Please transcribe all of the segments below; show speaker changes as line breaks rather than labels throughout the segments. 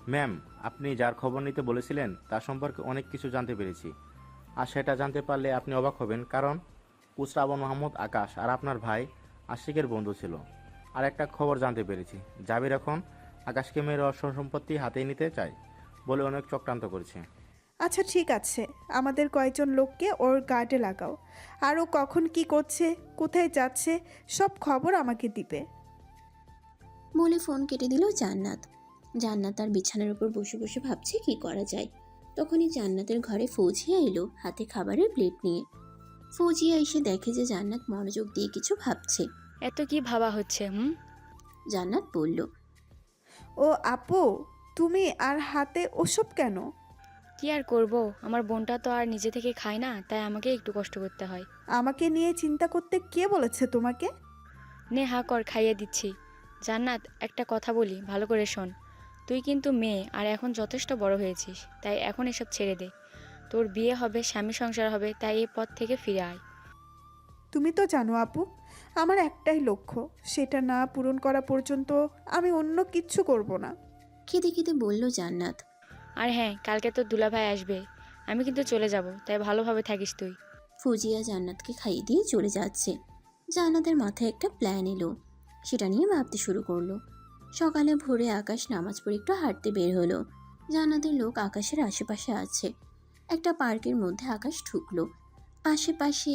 Ma'am, আপনি যার খবর নিতে বলেছিলেন তার সম্পর্কে অনেক কিছু জানতে পেরেছি। আর সেটা জানতে পারলে আপনি অবাক হবেন, কারণ শ্রাবণ মাহমুদ আকাশ আর আপনার ভাই আশিকের বন্ধু ছিল। আর একটা খবর জানতে পেরেছি, জাবির এখন আকাশকে মেয়ের অর্থ সম্পত্তি হাতে নিতে চায় বলে অনেক চক্রান্ত করেছে।
আচ্ছা ঠিক আছে, আমাদের কয়েকজন লোককে ওর গার্ডে লাগাও। আর ও কখন কি করছে, কোথায় যাচ্ছে, সব খবর আমাকে দিবে।
বলে ফোন কেটে দিল জান্নাত। জান্নাত তার বিছানার উপর বসে বসে ভাবছে কি করা যায়। তখনই জান্নাতের ঘরে ফৌজিয়া এলো হাতে খাবারের প্লেট নিয়ে। ফৌজিয়া এসে দেখে যে জান্নাত মনোযোগ দিয়ে কিছু ভাবছে।
এত কি ভাবা হচ্ছে?
জান্নাত বলল,
ও আপু, তুমি আর হাতে ওসব কেন?
কি আর করব, আমার বোনটা তো আর নিজে থেকে খায় না, তাই আমাকে একটু কষ্ট করতে হয়।
আমাকে নিয়ে চিন্তা করতে কে বলেছে তোমাকে?
নে হা কর, খাইয়ে দিচ্ছি। জান্নাত, একটা কথা বলি, ভালো করে শোন। তুই কিন্তু মেয়ে আর এখন যথেষ্ট বড় হয়েছিস, তাই এখন এসব ছেড়ে দে। তোর বিয়ে হবে, স্বামী সংসার হবে, তাই এই পথ থেকে ফিরে আয়।
তুমি তো জানো আপু, আমার একটাই লক্ষ্য, সেটা না পূরণ করা পর্যন্ত আমি অন্য কিচ্ছু করব না।
খেতে খেতে বলল জান্নাত।
আর হ্যাঁ, কালকে তোর দুলাভাই আসবে, আমি কিন্তু চলে যাব, তাই ভালোভাবে থাকিস তুই।
ফৌজিয়া জান্নাতকে খাইয়ে দিয়ে চলে যাচ্ছে। জান্নাতের মাথায় একটা প্ল্যান এলো, সেটা নিয়ে ভাবতে শুরু করলো। সকালে ভোরে আকাশ নামাজ পড়ে একটু হাঁটতে বের হলো। জান্নাতের লোক আকাশের আশেপাশে আছে। একটা পার্কের মধ্যে আকাশ ঢুকলো। আশেপাশে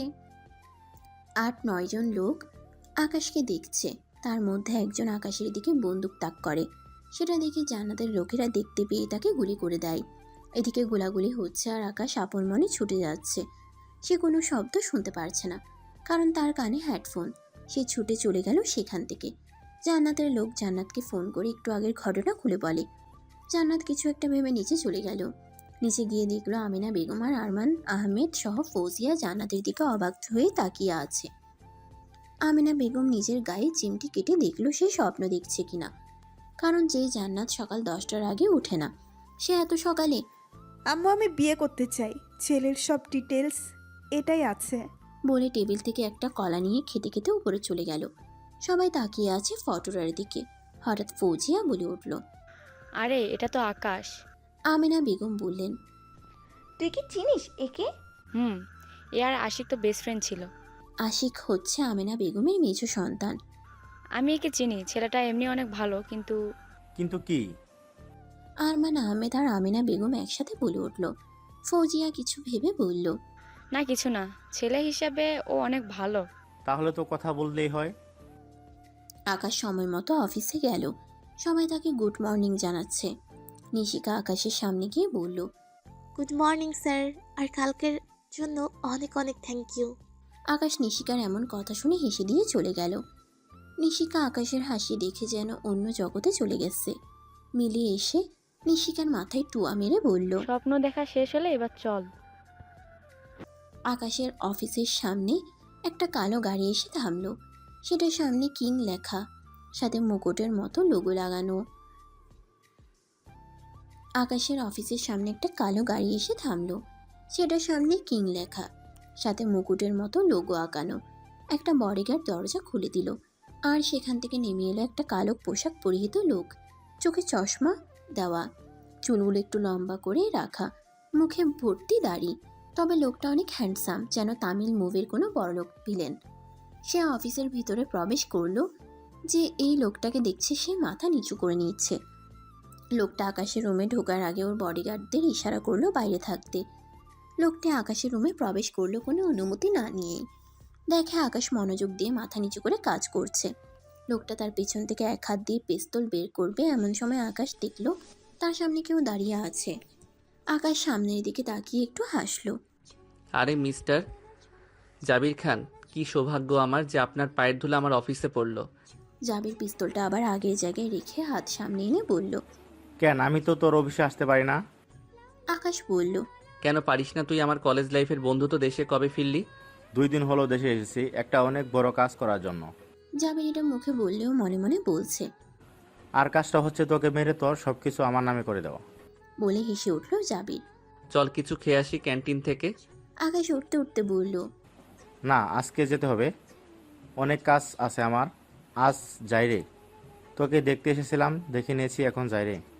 ৮-৯ জন লোক আকাশকে দেখছে। তার মধ্যে একজন আকাশের দিকে বন্দুক তাক করে। সেটা দেখে জান্নাতের লোকেরা দেখতে পেয়ে তাকে গুলি করে দেয়। এদিকে গোলাগুলি হচ্ছে আর আকাশ আপন মনে ছুটে যাচ্ছে। সে কোনো শব্দ শুনতে পারছে না, কারণ তার কানে হেডফোন। সে ছুটে চলে গেল সেখান থেকে। জান্নাতের লোক জান্নাতকে ফোন করে একটু আগের ঘটনা খুলে বলে। জান্নাত কিছু একটা ভেবে নিচে চলে গেল। নিচে গিয়ে দেখলো আমিনা বেগম আর আরমান আহমেদ সহ ফৌজিয়া জান্নাতের দিকে অবাক হয়ে তাকিয়ে আছে। আমিনা বেগম নিজের গায়ে চিমটি কেটে দেখলো সে স্বপ্ন দেখছে কিনা, কারণ যে জান্নাত সকাল 10টার আগে উঠে না, সে এত সকালে।
আম্মু, আমি বিয়ে করতে চাই, ছেলের সব ডিটেলস এটাই আছে।
বলে টেবিল থেকে একটা কলা নিয়ে খেতে খেতে উপরে চলে গেল। সবাই তাকিয়ে আছে ফটোটার দিকে। হঠাৎ ফৌজিয়া বলে উঠল।
আরে, এটা তো আকাশ।
আমিনা বেগম বললেন,
তুই কি চিনিস একে?
হুম, এ আর আশিক তো বেস্ট ফ্রেন্ড ছিল।
আশিক হচ্ছে আমিনা বেগমের মেজ সন্তান।
আমি একে চিনি, ছেলেটা এমনি অনেক ভালো, কিন্তু
কিন্তু কি?
আরমান আহমেদ আর আমিনা বেগম একসাথে বলে উঠল। ফৌজিয়া কিছু ভেবে বলল,
না কিছু না, ছেলে হিসাবে ও অনেক ভালো।
তাহলে তো কথা বললেই হয়।
আকাশ সময় মতো অফিসে গেল। সবাই তাকে গুড মর্নিং জানাচ্ছে। নিশিকা আকাশের সামনে গিয়ে বলল,
গুড মর্নিং স্যার, আর কালকের জন্য অনেক অনেক থ্যাংক ইউ।
আকাশ নিশিকার এমন কথা শুনে হেসে দিয়ে চলে গেল। নিশিকা আকাশের হাসি দেখে যেন অন্য জগতে চলে গেছে। মিলি এসে নিশিকার মাথায় টুয়া মেরে বলল।
স্বপ্ন দেখা শেষ হলে এবার চল।
আকাশের অফিসের সামনে একটা কালো গাড়ি এসে থামলো। সেটার সামনে কিং লেখা, সাথে মুকুটের মতো লোগো লাগানো। আকাশের অফিসের সামনে একটা কালো গাড়ি এসে থামলো। সেটার সামনে কিং লেখা, সাথে মুকুটের মতো লোগো আঁকানো। একটা বডিগার্ড দরজা খুলে দিল, আর সেখান থেকে নেমে এলো একটা কালো পোশাক পরিহিত লোক। চোখে চশমা দেওয়া, চুলগুলো একটু লম্বা করে রাখা, মুখে ভর্তি দাড়ি। তবে লোকটা অনেক হ্যান্ডসাম, যেন তামিল মুভির কোনো বড়লোক ভিলেন। সে অফিসের ভিতরে প্রবেশ করলো। যে এই লোকটাকে দেখছে সে মাথা নিচু করে নিচ্ছে। লোকটা আকাশের রুমে ঢোকার আগে ওর বডিগার্ডদের ইশারা করলো বাইরে থাকতে। লোকটি আকাশের রুমে প্রবেশ করলো কোনো অনুমতি না নিয়েই। দেখে আকাশ মনোযোগ দিয়ে মাথা নিচু করে কাজ করছে। লোকটা তার পেছন থেকে এক হাত দিয়ে পিস্তল বের করবে, এমন সময় আকাশ দেখলো তার সামনে কেউ দাঁড়িয়ে আছে। আকাশ সামনের দিকে তাকিয়ে একটু হাসলো।
আরে মিস্টার জাবির খান, কি সৌভাগ্য আমার যে আপনার পায়ের ধুলো আমার অফিসে পড়লো।
জাবির পিস্তলটা আবার আগের জায়গায় রেখে হাত সামনে এনে বলল।
কেন, আমি তো তোর অফিসে আসতে পারি না?
আকাশ বলল,
কেন পারিস না তুই? আমার কলেজ লাইফের বন্ধু, তো দেশে কবে ফিরলি?
2 দিন হলো দেশে এসেছি একটা অনেক বড় কাজ করার জন্য।
জাবির এটা মুখে বললেও মনে মনে বলছে।
আর কাজটা হচ্ছে তোকে মেরে তোর সব কিছু আমার নামে করে দেওয়া।
বলে হেসে উঠল জাবির।
চল কিছু খেয়ে আসি ক্যান্টিন থেকে।
আকাশ উঠতে উঠতে বলল,
না, আজকে যেতে হবে, অনেক কাজ আছে আমার। আজ যাই রে, তোকে দেখতে এসেছিলাম, দেখে নিয়েছি, এখন যাই রে।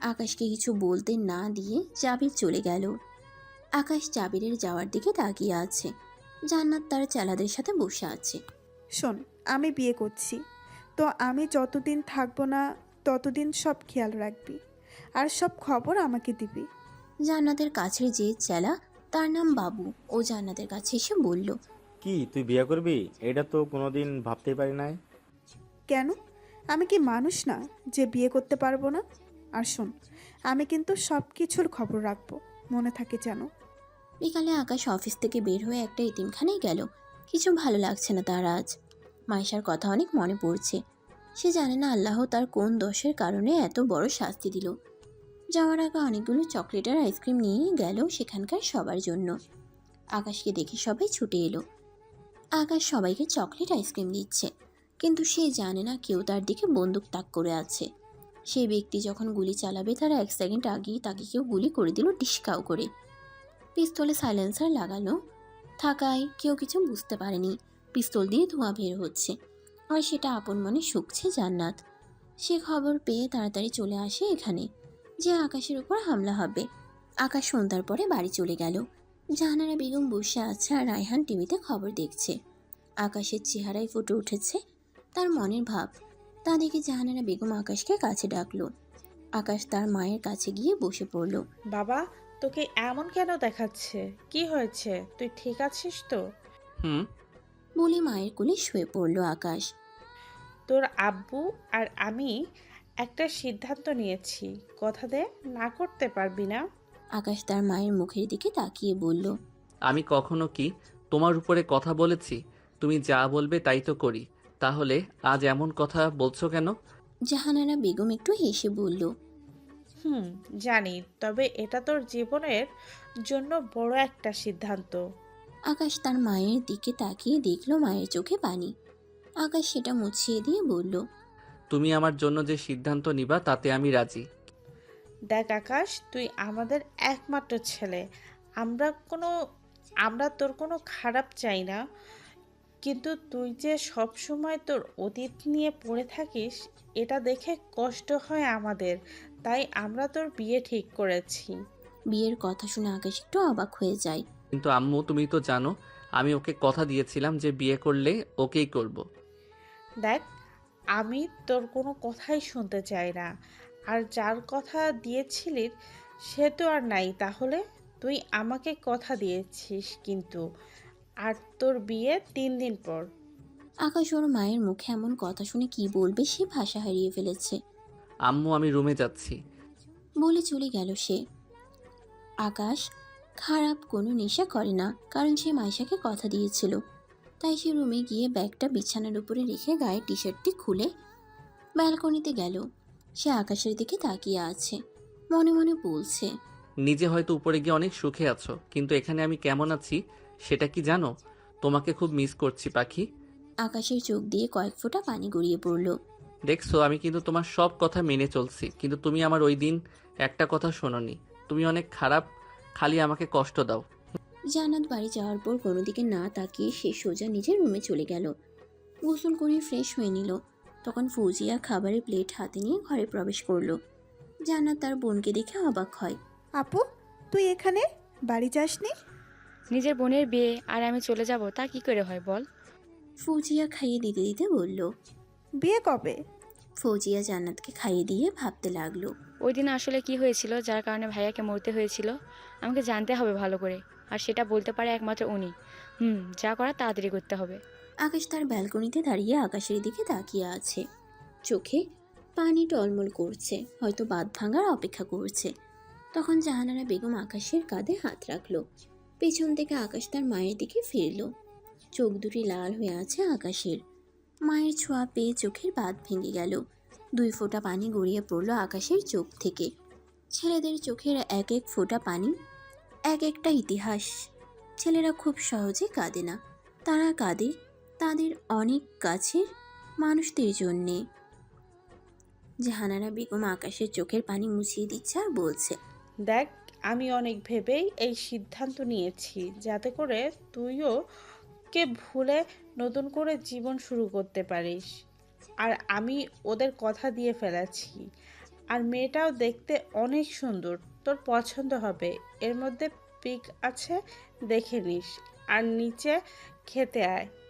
আকাশকে কিছু বলতে না দিয়ে জাবির চলে গেল। আকাশ জাবিরের যাওয়ার দিকে তাকিয়ে আছে। জান্নাত তার চেলাদের সাথে বসে আছে।
শোন, আমি বিয়ে করছি, তো আমি যতদিন থাকবো না ততদিন সব খেয়াল রাখবি আর সব খবর আমাকে দিবি।
জান্নাতের কাছের যে চেলা, তার নাম বাবু, ও জান্নাতের কাছে এসে বলল,
কি তুই বিয়ে করবি? এটা তো কোনোদিন ভাবতেই পারি নাই।
কেন? আমি কি মানুষ না যে বিয়ে করতে পারবো না? আর শোন, আমি কিন্তু সব কিছুর খবর রাখবো, মনে থাকে যেন।
বিকালে আকাশ অফিস থেকে বের হয়ে একটা এতিমখানায় গেল। কিছু ভালো লাগছে না তার আজ। মাইশার কথা অনেক মনে পড়ছে। সে জানে না আল্লাহ তার কোন দোষের কারণে এত বড় শাস্তি দিল। যাওয়ার আগে অনেকগুলো চকলেট আর আইসক্রিম নিয়ে গেল সেখানকার সবার জন্য। আকাশকে দেখে সবাই ছুটে এলো। আকাশ সবাইকে চকলেট আইসক্রিম দিচ্ছে, কিন্তু সে জানে না কেউ তার দিকে বন্দুক তাক করে আছে। সেই ব্যক্তি যখন গুলি চালাবে তার 1 সেকেন্ড আগেই তাকে কেউ গুলি করে দিল ডিসকাউ করে। পিস্তলে সাইলেন্সার লাগানো থাকায় কেউ কিছু বুঝতে পারেনি। পিস্তল দিয়ে ধোঁয়া বের হচ্ছে, আর সেটা আপন মনে শুকছে জান্নাত। সে খবর পেয়ে তাড়াতাড়ি চলে আসে এখানে, যে আকাশের উপর হামলা হবে। আকাশ সন্ধ্যার পরে বাড়ি চলে গেল। জাহানারা বেগম বসে আছে আর রায়হান টিভিতে খবর দেখছে। আকাশের চেহারায় ফুটে উঠেছে তার মনের ভাব। তা দেখে জাহানারা বেগম আকাশকে কাছে ডাকলো। আকাশ তার মায়ের কাছে গিয়ে বসে পড়ল।
বাবা, তোকে এমন কেন দেখাচ্ছে? কি হয়েছে? তুই ঠিক আছিস তো?
হুম।
বলে মায়ের কোলে শুয়ে পড়ল আকাশ।
তোর আব্বু আর আমি একটা সিদ্ধান্ত নিয়েছি, কথা দে না করতে পারবি না।
আকাশ তার মায়ের মুখের দিকে তাকিয়ে বলল,
আমি কখনো কি তোমার উপরে কথা বলেছি? তুমি যা বলবে তাই তো করি। তাহলে আজ এমন কথা বলছো কেন?
জাহানারা বেগম একটু হেসে বলল,
জানি, তবে এটা তোর জীবনের জন্য বড় একটা সিদ্ধান্ত।
আকাশ তার মায়ের দিকে তাকিয়ে দেখলো মায়ের চোখে পানি। আকাশ সেটা মুছিয়ে দিয়ে বলল,
তুমি আমার জন্য যে সিদ্ধান্ত নিবা তাতে আমি রাজি।
দেখ আকাশ, তুই আমাদের একমাত্র ছেলে। আমরা কোনো আমরা তোর কোনো খারাপ চাই না, কিন্তু তুই যে সব সময় তোর অতীত নিয়ে পড়ে থাকিস, এটা দেখে কষ্ট হয় আমাদের। তাই আমরা তোর বিয়ে ঠিক করেছি।
বিয়ের কথা শুনে আকাশ একটু অবাক হয়ে যায়।
কিন্তু আম্মু, তুমি তো জানো আমি ওকে কথা দিয়েছিলাম যে বিয়ে করলে ওকেই করব।
দেখ, আমি তোর কোনো কথাই শুনতে চাই না। আর যার কথা দিয়েছিলি সে তো আর নাই। তাহলে তুই আমাকে কথা দিয়েছিস কিন্তু, আর তোর বিয়ে 3 দিন পর।
আকাশ ওর মায়ের মুখে এমন কথা শুনে কি বলবে সে ভাষা হারিয়ে ফেলেছে।
আম্মু, আমি রুমে যাচ্ছি।
বলে চলে গেল সে। আকাশ খারাপ কোনো নেশা করে না, কারণ সে মাইশাকে কথা দিয়েছিল। তাই সে রুমে গিয়ে ব্যাগটা বিছানার উপরে রেখে গায়ে টি শার্টটি খুলে ব্যালকনিতে গেল। সে আকাশের দিকে তাকিয়ে আছে, মনে মনে বলছে,
নিজে হয়তো উপরে গিয়ে অনেক সুখে আছো, কিন্তু এখানে আমি কেমন আছি সেটা কি জানো? তোমাকে খুব মিস করছি পাখি।
আকাশের চোখ দিয়ে কয়েক ফোঁটা পানি গড়িয়ে পড়ল।
দেখছো, আমি কিন্তু তোমার সব কথা মেনে চলছি, কিন্তু তুমি আমার ওই দিন একটা কথা শোনোনি। তুমি অনেক খারাপ, খালি আমাকে কষ্ট দাও।
জান্নাত বাড়ি যাওয়ার পর কোনো দিকে না তাকিয়ে সে সোজা নিজের রুমে চলে গেল। গোসল করে ফ্রেশ হয়ে নিল। তখন ফৌজিয়া খাবারের প্লেট হাতে নিয়ে ঘরে প্রবেশ করলো। জান্নাত তার বোনকে দেখে অবাক হয়।
আপু, তুই এখানে? বাড়ি যাসনি?
নিজের বোনের বিয়ে আর আমি চলে যাব তা কি করে হয় বল?
ফৌজিয়া খাইয়ে দিতে দিতে বলল।
বিয়ে কবে?
ফৌজিয়া জান্নাতকে খাইয়ে দিয়ে ভাবতে লাগলো।
ওই দিন আসলে কি হয়েছিল যার কারণে ভাইয়াকে মরতে হয়েছিল? আমাকে জানতে হবে ভালো করে, আর সেটা বলতে পারে একমাত্র উনি। যা করার তাড়াতাড়ি করতে হবে।
আকাশ তার ব্যালকনিতে দাঁড়িয়ে আকাশের দিকে তাকিয়ে আছে। চোখে পানি টলমল করছে, হয়তো বাঁধ ভাঙার অপেক্ষা করছে। তখন জাহানারা বেগম আকাশের কাঁধে হাত রাখলো। পেছন থেকে আকাশ তার মায়ের দিকে ফিরল। চোখ দুটি লাল হয়ে আছে আকাশের। মায়ের ছোঁয়া পেয়ে চোখের বাঁধ ভেঙে গেল। 2 ফোঁটা পানি গড়িয়ে পড়ল আকাশের চোখ থেকে। ছেলেদের চোখের এক এক ফোঁটা পানি এক একটা ইতিহাস। ছেলেরা খুব সহজে কাঁদে না, তারা কাঁদে তাদের অনেক কাছের মানুষদের জন্যে। জাহানারা বেগম আকাশের চোখের পানি মুছিয়ে দিচ্ছে আর বলছে,
দেখ, আমি অনেক ভেবেই এই সিদ্ধান্ত নিয়েছি, যাতে করে তুইও কে ভুলে নতুন করে জীবন শুরু করতে পারিস। আর আমি ওদের কথা দিয়ে ফেলেছি, আর মেয়েটাও দেখতে অনেক সুন্দর, তোর পছন্দ হবে। এর মধ্যে পিক আছে, দেখে নিস। আর নিচে খেতে আয়।